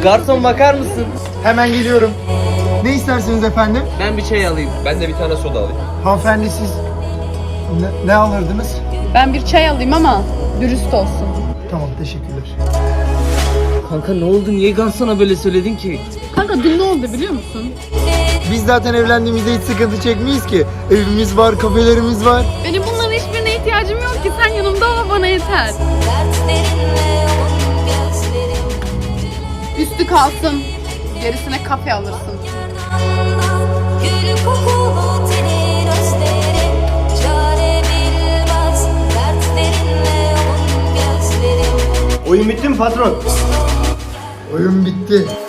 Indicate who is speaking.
Speaker 1: Garson bakar mısın?
Speaker 2: Hemen geliyorum. Ne istersiniz efendim?
Speaker 1: Ben bir çay alayım.
Speaker 3: Ben de bir tane soda alayım.
Speaker 2: Hanımefendi siz ne alırdınız?
Speaker 4: Ben bir çay alayım ama dürüst olsun.
Speaker 2: Tamam, teşekkürler.
Speaker 1: Kanka ne oldu? Niye garsona böyle söyledin ki?
Speaker 4: Kanka dün ne oldu biliyor musun?
Speaker 2: Biz zaten evlendiğimizde hiç sıkıntı çekmeyiz ki. Evimiz var, kafelerimiz var.
Speaker 4: Benim bunların hiçbirine ihtiyacım yok ki. Sen yanımda ol, bana yeter. Üstü kalsın. Gerisine kafe alırsın.
Speaker 5: Gül kokulu tenin özlerim, çare bilmez dertlerinle yoğun gözlerim.
Speaker 6: Oyun bitti mi patron?
Speaker 2: Oyun bitti.